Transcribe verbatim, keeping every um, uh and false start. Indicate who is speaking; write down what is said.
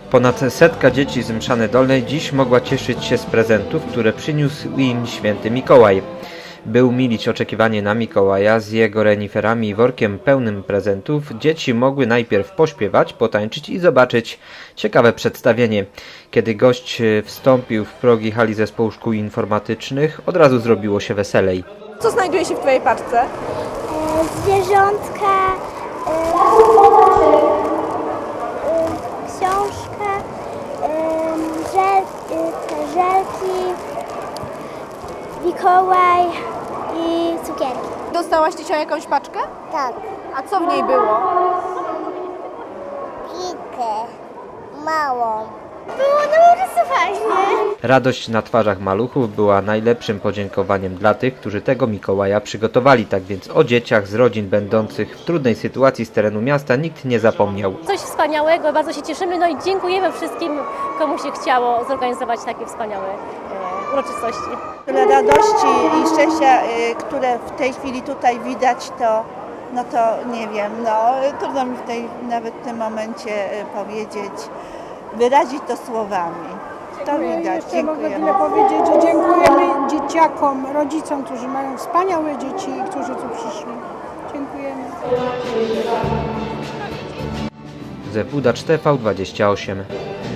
Speaker 1: Ponad setka dzieci z Mszany Dolnej dziś mogła cieszyć się z prezentów, które przyniósł im święty Mikołaj. By umilić oczekiwanie na Mikołaja z jego reniferami i workiem pełnym prezentów, dzieci mogły najpierw pośpiewać, potańczyć i zobaczyć ciekawe przedstawienie. Kiedy gość wstąpił w progi hali zespołu szkół informatycznych, od razu zrobiło się weselej.
Speaker 2: Co znajduje się w Twojej paczce?
Speaker 3: Zwierzątka, książkę, żel, te żelki, Mikołaj i cukierki.
Speaker 2: Dostałaś dzisiaj jakąś paczkę?
Speaker 3: Tak.
Speaker 2: A co w niej było?
Speaker 3: Pikę, małą. Było no rysowanie.
Speaker 1: Radość na twarzach maluchów była najlepszym podziękowaniem dla tych, którzy tego Mikołaja przygotowali. Tak więc o dzieciach z rodzin będących w trudnej sytuacji z terenu miasta nikt nie zapomniał.
Speaker 4: Coś wspaniałego, bardzo się cieszymy, no i dziękujemy wszystkim, komu się chciało zorganizować takie wspaniałe e, uroczystości.
Speaker 5: Tyle radości i szczęścia, y, które w tej chwili tutaj widać, to, no to nie wiem, no trudno mi w tej, nawet w tym momencie y, powiedzieć, wyrazić to słowami. To widać.
Speaker 6: Jeszcze mogę tyle powiedzieć, że dziękujemy dzieciakom, rodzicom, którzy mają wspaniałe dzieci i którzy tu przyszli. Dziękujemy.
Speaker 1: Z W D A Cz T V dwadzieścia osiem.